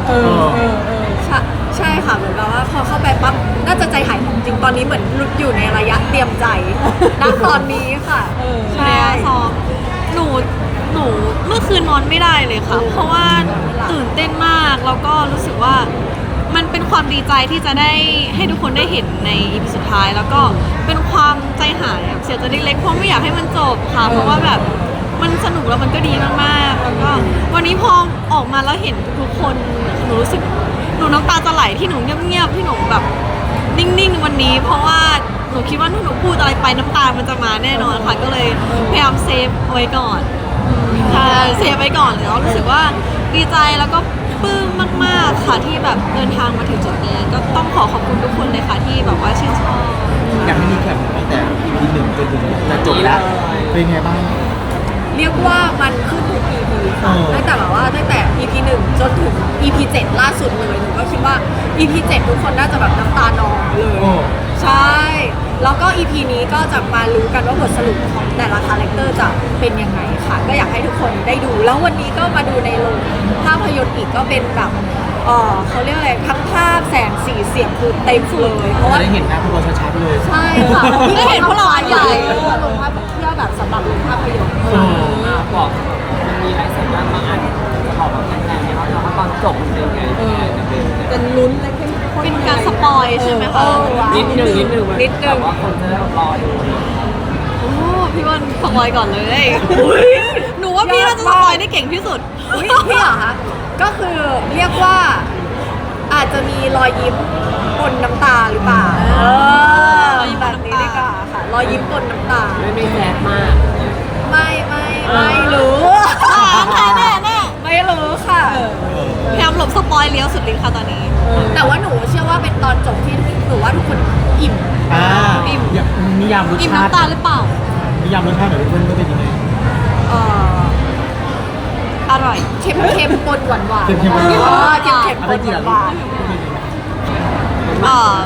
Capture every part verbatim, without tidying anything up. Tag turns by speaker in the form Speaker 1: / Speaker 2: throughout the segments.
Speaker 1: เออเออเออ
Speaker 2: ใช่ใช่ค่ะเหมือนกับว่าพอเข้าไปปั๊บน่าจะใจหายของจริงตอนนี้เหมือนอยู่ในระยะเตรียมใจณตอนนี้ค่ะ
Speaker 1: เออ
Speaker 2: ใช่
Speaker 3: ซ้อมหนูหนูเมื่อคืนนอนไม่ได้เลยค่ะ เพราะว่าตื่นเต้นมากแล้วก็รู้สึกว่ามันเป็นความดีใจที่จะได้ให้ทุกคนได้เห็นในอีพีสุดท้าย แล้วก็เป็นความใจหายแบบเสียใจเล็กๆเพราะไม่อยากให้มันจบค่ะ เพราะว่าแบบมันสนุกแล้วมันก็ดีมากๆแล้วก็วันนี้พอออกมาแล้วเห็นทุกคนหนูรู้สึกหนูน้ำตาจะไหลที่หนูเงียบๆที่หนูแบบนิ่งๆวันนี้ เพราะว่าหนูคิดว่าถ้าหนูพูดอะไรไปน้ำตามันจะมาแน่นอนค่ะก็เลยพยายามเซฟไว้ก่อนค่ะเซฟไว้ก่อนแล้วรู้สึกว่าดีใจแล้วก็ปลื้มมากๆค่ะที่แบบเดินทางมาถึงจุดนี้ก็ต้องขอขอบคุณทุกคนเลยค่ะที่แบบว่าชื่นชอบ
Speaker 4: อยากให้มีแข่งตั้งแต่ อี พี หนึ่งจนถึงจะจบแล้ว เป็นไงบ้าง
Speaker 2: เรียกว่ามันขึ้นทุก อี พี ค่ะ
Speaker 4: เออ
Speaker 2: ตั้งแต่แบบว่าตั้งแต่ อี พี หนึ่งจนถึง อี พี เจ็ดล่าสุดเลยหนูก็คิดว่า อี พี เจ็ดทุกคนน่าจะแบบน้ำตานองเลย
Speaker 4: โอ้
Speaker 2: ใช่ แล้วก็ อี พี นี้ก็จะมารู้กันว่าบทสรุปของแต่ละคาแรคเตอร์จะเป็นยังไงค่ะ ก็อยากให้ทุกคนได้ดู แล้ววันนี้ก็มาดูในโรงภาพยนตร์อีกก็เป็นแบบเออเขาเรียกอะไรทั้งภาพแสงสีเสียงคือเต็มเลยเพราะว่า
Speaker 4: จะได้เห็นหน้าพวกเราชัดๆเลย
Speaker 2: ใช่ค่ะ
Speaker 3: ได้เห็นพวกเราอันใหญ่
Speaker 2: ลงภาพเที่ยวแบบสำหรับลงภาพยนตร์
Speaker 4: เออ
Speaker 5: อ่ะบอกมันมีอะไรสักอย่างบางอันจะบอกแบบแฟนๆเนี่ยเขาว่าตอนจบมันเป็นไงจะเป็น
Speaker 1: เป็นลุ้นและเข้มข้น
Speaker 3: เป็นการสปอยใช่ไหมคะ
Speaker 5: นิดนึงนิดนึง
Speaker 2: นิดนึ
Speaker 5: แต่
Speaker 2: ง
Speaker 5: ว่าคนจะได้รอดู
Speaker 3: โอ้พี่วันสปอยก่อนเลยหนูว่าพี่น่าจะสปอยได้เก่งที่สุด
Speaker 2: อุ๊ยพี่เหรอคะก็คือเรียกว่าอาจจะมีรอยยิ้มปนน้ำตาหรือเปล่าเออ
Speaker 3: รอยยิ้ม
Speaker 2: แบ
Speaker 3: ปน
Speaker 2: บ
Speaker 3: น้ำตา
Speaker 2: นี้ดีกว่าค่ะรอยยิ้มปนน้ำตา
Speaker 5: ไม่ไม่แซ่บมาก
Speaker 2: ไม่ไม่ไม่รู้
Speaker 3: แน่แน่แน่
Speaker 2: ไม่รู้ค่ะ
Speaker 3: พยายามหลบสปอยเลี้ยวสุดฤทธิ์ค่ะตอนนี้
Speaker 2: แต่ว่าหนูเชื่อว่าเป็นตอนจบที่หนูว่าทุกคนอิ่ม
Speaker 4: อ่า
Speaker 3: อิ่ม
Speaker 4: อยากนิยามรส
Speaker 3: อิ่ม
Speaker 4: ชาติ
Speaker 3: น้ำตาหรือเปล่า
Speaker 4: นิยามรสชาติหน่อยเพื่อนก็เป็นยังไง
Speaker 2: เอ่อ
Speaker 3: อร่อย
Speaker 2: เค็มเค็มๆปนหวานหวาน
Speaker 4: เค็มๆปนหวาน
Speaker 2: เค็มเค็มๆปนหวาน
Speaker 3: เอ่อก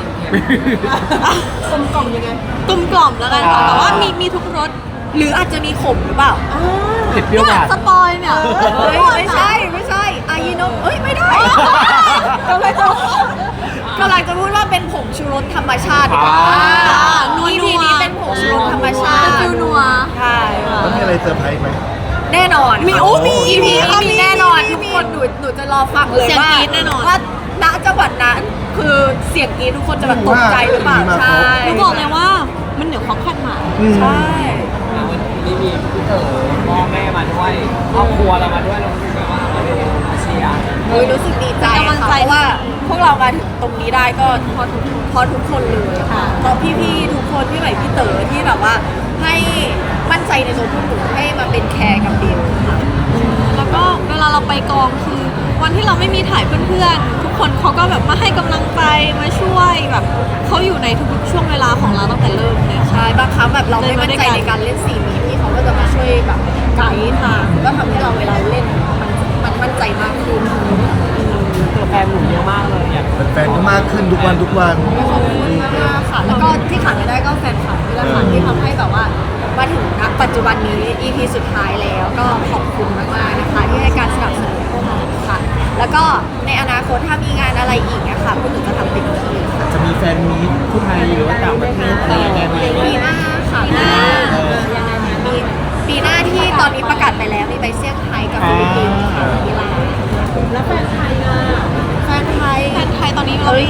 Speaker 1: ลมกล่อมยังไง
Speaker 3: กลมกล่อมแล้วกันค่ะแต่ว่ามีมีทุกรส
Speaker 2: ๆหรืออาจจะมีขมหรือเปล่า
Speaker 4: เผ็ดเปรี้ยวห
Speaker 3: เนี่ยว
Speaker 4: าน
Speaker 3: สปอยเนี่ย
Speaker 2: เฮ้ยไม่ใช่ไม่ใช่อายิโนะเอ้ยไม่ได้กำลังจะกำลังจะพูดว่าเป็นผงชูรสธรรมชาติ
Speaker 4: อ่า
Speaker 2: นัวทีนี้เป็นผงชูรสธรรมชา
Speaker 3: เป็น
Speaker 2: ติ
Speaker 3: ฟิวนัว
Speaker 2: ใช่
Speaker 4: แล้วมีอะไรเซอร์ไพรส์ไหม
Speaker 2: แน่นอน
Speaker 3: มีโอ้มี
Speaker 2: อีพี
Speaker 3: มีค่ะ
Speaker 2: มี
Speaker 3: มี
Speaker 2: แน่นอน
Speaker 3: มี
Speaker 2: ทุก
Speaker 3: มี
Speaker 2: คนหนูหนูจะรอฟังเลย
Speaker 3: เสียง
Speaker 2: ว่าก
Speaker 3: รี๊ดแน่นอน
Speaker 2: ว่าณจังหวัดนั้นคือเสียงกรี๊ดทุกคนจะแบบตกใจหรือเปล่า
Speaker 4: ว่า
Speaker 2: ใช่
Speaker 3: หนูบอกเลยว่ามันเหนือความคาดหมาย
Speaker 4: อืม
Speaker 2: ใช่
Speaker 5: วันนี้มีพี่เต๋อพ่อแม่มาด้วยครอบครัวเรามาด้วยเราคือแบบว่าเราเป็นอาเชีย
Speaker 2: โอ้ยรู้สึกดีใจ
Speaker 3: เป็นกำลัง
Speaker 2: ค่ะ
Speaker 3: ใจ
Speaker 2: เพราะว่าพวกเรามาถึงตรงนี้ได้ก็เพราะทุกเพราะทุกคนเลยค่ะเพราะพี่ๆทุกคนพี่ใหม่พี่เต๋อที่แบบว่าให้มั่นใจในตัวพวกหนูให้มาเป็นแคร์กับบิวค่ะ
Speaker 3: แล้วก็เวลาเราไปกองคือวันที่เราไม่มีถ่ายเพื่อนๆ ทุกคนเขาก็แบบมาให้กำลังใจมาช่วยแบบเขาอยู่ในทุกๆช่วงเวลาของเราตั้งแต่เริ่มเลยค่ะ
Speaker 2: ใช่บางครั้งแบบเราไม่มั่นใจในการเล่นซีนนี้พี่เขาก็จะมาช่วยแบบไกด์ทางก็ทำให้เราเวลาเล่นมันมันมั่นใจมากขึ้น
Speaker 5: ตัวแฟนหนุ่มเยอะมากเลยอยาก
Speaker 4: แฟนๆก็มากขึ้นทุกวันทุกวัน
Speaker 2: ขอบคุณมากๆค่ะ แล้วก็ที่ขาดไม่ได้ก็แฟนคลับนี่แหละค่ะที่ทำให้แบบว่ามาถึงณปัจจุบันนี้ อี พี สุดท้ายแล้วก็ขอบคุณมากๆนะคะที่ให้การสนับสนุนพวกเราค่ะ แล้วก็ในอนาคตถ้ามีงานอะไรอีกนะคะพวกหนูจะทำเต็มที่ค่ะ
Speaker 4: จะมีแฟนมีตผู้ไทยหรือว่าต่างประเทศอะไรยังไงไหม
Speaker 2: ปีหน้าค่ะปีหน้ายังไงมีปีหน้าที่ตอนนี้ประกาศไปแล้วมีไปเซี่ยงไฮ้กับฟิลิปปินส์ค่ะมิลาน
Speaker 1: แล้วแฟนไทยอ่ะ
Speaker 2: แฟนไทย
Speaker 3: แฟนไทยตอนนี้เรา
Speaker 2: เฮ้ย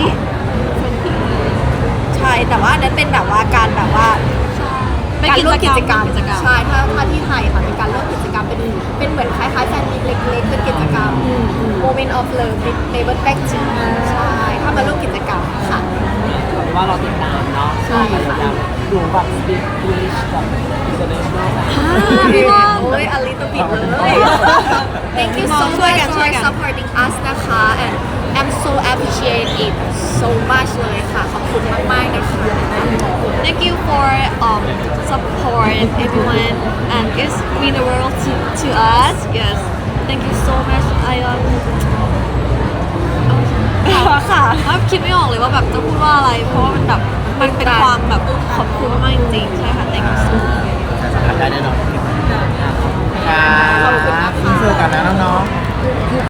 Speaker 2: ใช่แต่ว่าอันนั้นเป็นแบบว่าการแบบว่า
Speaker 3: เป็น
Speaker 2: การ
Speaker 3: กิ
Speaker 2: ร่วม
Speaker 3: จ
Speaker 2: กิ
Speaker 3: กรรม
Speaker 2: จกรรม
Speaker 3: กิจกรรม
Speaker 2: ใช่ถ้าถ้าที่ไทยค่ะเป็นการร่วมกิจกรรมเป็นเป็นเหมือนคล้ายๆแฟนมิตรเล็กๆเป็นกิจกรรม Moment of Love with Neighbor Back ใช่ถ้ามาร่วมกิจกรรมค่ะ
Speaker 5: ถือว่าเราติดตามเนาะ
Speaker 2: ใช่ค่ะ
Speaker 5: ดูแบบสปีกอังกฤษแบบ international แบบ
Speaker 3: พี่ว่า
Speaker 2: โอ้ยอลิตบิดเลย Thank you so
Speaker 3: ช่วย
Speaker 2: much
Speaker 3: กันช่
Speaker 2: for
Speaker 3: วยกัน
Speaker 2: supporting us นะคะ and I'm so appreciate it so much เลยค่ะขอบคุณมากๆนะคะ
Speaker 3: Thank you for um support everyone and it's mean the world to to us yes thank you so much I um
Speaker 2: ค่ะ
Speaker 3: ว่าคิดไม่ออกเลยว่าแบบจะพูดว่าอะไร เพราะว่ามันแบบมันเป็นความแบบขอบคุณมากจริงๆใช่ค่ะ thank you so much
Speaker 4: ได้แน่นอน